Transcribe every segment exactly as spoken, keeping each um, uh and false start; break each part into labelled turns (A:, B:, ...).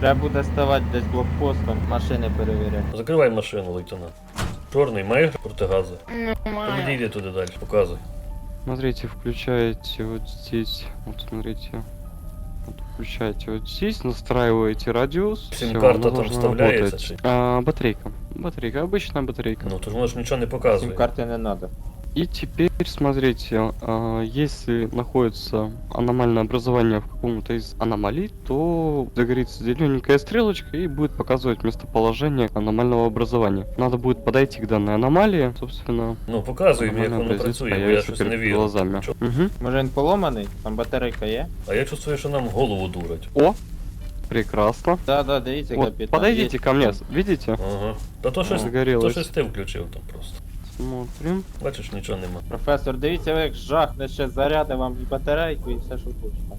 A: Треба буде ставати десь блокпостом, машини перевіряти.
B: Закривай машину, лейтенант. Чорний, маєш протигази?
C: Немає.
B: Підійди туди далі, показуй.
D: Смотрите, включаете вот здесь, вот смотрите, вот включаете вот здесь, настраиваете радиус. всё,
B: Сим-карта
D: оно
B: там
D: должно
B: вставляется,
D: работать.
B: чи?
D: А, батарейка, батарейка, обычная батарейка.
B: Ну, то ж воно ж нічого не показує.
A: Сім карти не треба.
D: И теперь смотрите, а, если находится аномальное образование в каком-то из аномалий, то загорится зелененькая стрелочка и будет показывать местоположение аномального образования. Надо будет подойти к данной аномалии, собственно.
B: Ну, показуй мені, як
D: аномальный
B: воно
D: образец
B: працює, бо я
D: появится
B: щось
D: перед
B: не вірю.
D: глазами.
B: Чо?
D: Мгм.
A: Може він поломаний? Там батарейка є?
B: А я чувствую, що нам голову дурять.
D: О, прекрасно.
A: Да, да, дивіться,
D: Вот,
A: капітан.
D: подойдите
A: Є.
D: ко мне, видите?
B: Ага. Та то щось, то
D: Загорелось.
B: щось ти включив там просто.
D: Смотрим.
B: Бачиш, нічого нема.
A: Професор, дивіться, ви як жахне ще заряди вам і батарейку, і все, що хочете.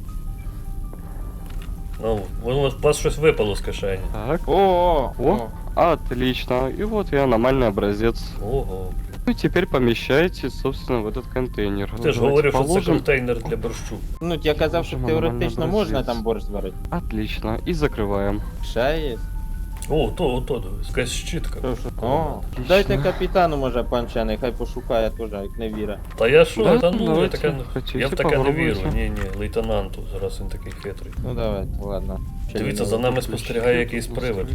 B: Ну, воно у вас щось випало з кишені.
D: Так.
A: О, о,
D: О, отлично. И вот и аномальный образец.
B: Ого.
D: Ну и теперь помещаете, собственно, в этот контейнер.
B: Ти ж
D: Давайте
B: говорив, що це
D: положим.
B: контейнер для борщу.
A: Ну, я казав, що
D: Можемо
A: теоретично
D: нормально
A: можна
D: образець.
A: там борщ зварити.
D: Отлично. И закрываем.
A: Ще є.
B: О, то, ото, дивись, якась щітка.
A: Що, що? О, дайте капітану, може, панчений, хай пошукає теж, як не віра.
B: Та я що,
D: Да,
B: та ну, я,
D: давайте,
B: таке,
D: хотите,
B: я в таке не вірю.
D: попробуйте.
B: Ні, ні, лейтенанту, зараз він такий хитрий.
A: Ну давай, ладно. Ще
B: Дивіться,
A: не
B: за
A: знаю.
B: нами спостерігає якийсь привид.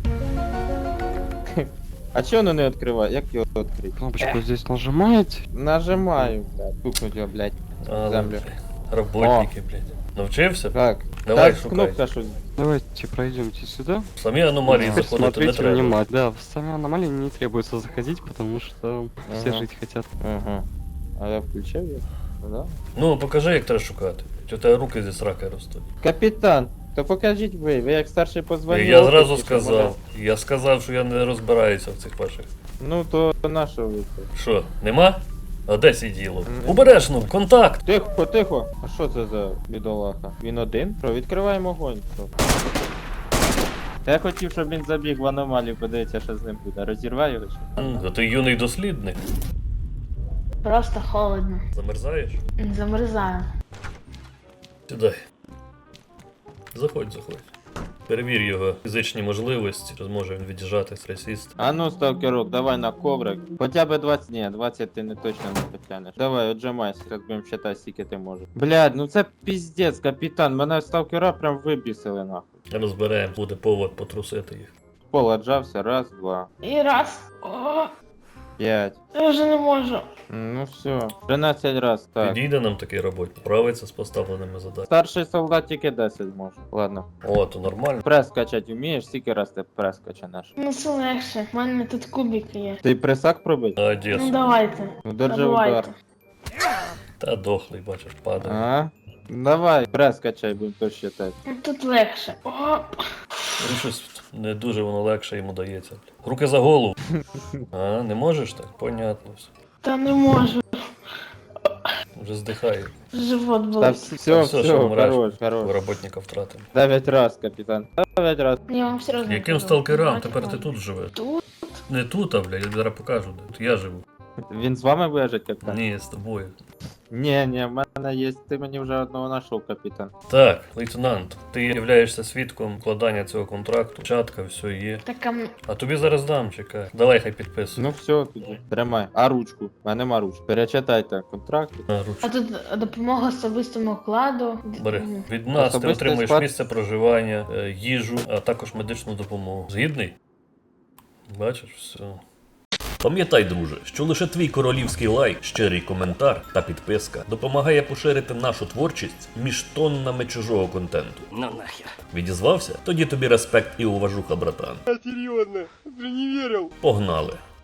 A: А чого воно не відкриває? Як його відкрити?
D: Кнопочку здесь нажимаете.
A: Нажимаю, блядь. Тукнуть його, блядь.
B: А,
A: Землю.
B: роботники, блядь. Навчився?
A: Так.
B: Давай,
A: так,
B: шукай.
A: кнопка щось.
D: Давайте пройдемте сюда.
B: Самі аномалії
D: Теперь
B: заходити не
D: смотрите
B: треба.
D: внимательно. Да, в сами аномалии не требуется заходить, потому что все
A: Ага.
D: жить хотят.
A: Ага. А я включив його? Да?
B: Ну, покажи, як треба шукати. Чи у тебе руки зі сраки ростуть?
A: Капітан, то покажіть ви, ви як старший позвонив.
B: Я зразу сказав. Я сказав, що я не розбираюся в цих ваших.
A: Ну то на що ви це?
B: Що, нема? А де сиділо?
A: М.
B: Обережно, контакт!
A: Тихо, тихо. А що це за бідолаха? Він один? Що, відкриваємо огонь. Що? Та я хотів, щоб він забіг в аномалію, подивиться, що з ним буде. Розірвай його чи?
B: М, А ти юний дослідник.
C: Просто холодно.
B: Замерзаєш?
C: Замерзаю.
B: Сідай. Заходь, заходь. Перевір його фізичні можливості, чи зможе він від'їжджати, стресіст.
A: А ну, сталкерок, давай на коврик. Хоча б двадцять, ні, двадцять ти не точно не потягнеш. Давай, отжимайся, зараз будемо считати, скільки ти можеш. Блядь, ну це піздець, капітан, мене сталкера прям вибісили нахуй.
B: Розберемо, буде повод потрусити їх.
A: Пол отжався, раз, два,
C: І раз. О,
A: п'ять.
C: я вже не можу.
A: Ну все, тринадцять раз, так.
B: Підійде нам такий роботник, справиться з поставленими задачами.
A: Старший солдат тільки десять може. Ладно.
B: О, то нормально.
A: Прес качать вмієш, скільки раз ти прес качанеш?
C: Ну це легше. У мене тут кубики є.
A: Ти пресак пробить?
C: Ну
B: Одесу.
C: давайте.
A: Ну держи удар.
C: Давайте.
B: Та дохлий, бачиш, падає.
A: Ага. Давай, прес качай, будемо то считати.
C: Ну тут легше. О,
B: Ну щось не дуже воно легше йому дається. Руки за голову. А, не можеш так? Понятно все.
C: та не можу.
B: Вже здихає.
C: Живот
A: Та
C: болить.
A: все,
B: Все,
A: все,
B: що вмреш.
A: хорош, хорош.
B: Роботника втратимо.
A: Дев'ять раз, капітан. Дев'ять раз.
C: Я вам серйозно
B: Яким
C: кажу.
B: сталкерам?
C: Давайте,
B: Тепер ти
C: ладно.
B: тут живеш.
C: Тут?
B: Не тут, а бля, я зараз покажу, де. Тут я живу.
A: Він з вами вижить, капітан?
B: Ні, з тобою.
A: Ні, ні, в мене є, ти мені вже одного знайшов, капітан.
B: Так, лейтенант, ти являєшся свідком вкладання цього контракту. Чатка, все є.
C: Так, а м-
B: А тобі зараз дам, чекай. Давай хай підписуй.
A: Ну все, тоді. Тримай. А ручку? У мене нема ручки. Перечитайте контракт.
B: На
C: а
B: ручку.
C: тут допомога особистому вкладу.
B: Бери.
C: М.
B: Від нас ти
A: Особистий
B: отримуєш
A: склад.
B: місце проживання, е, їжу, а також медичну допомогу. Згідний? Бачиш, все. Пам'ятай, друже, що лише твій королівський лайк, щирий коментар та підписка допомагає поширити нашу творчість між тоннами чужого контенту.
E: Ну нахер.
B: Відізвався? Тоді тобі респект і уважуха, братан.
E: Серьезно, уже не верил.
B: Погнали!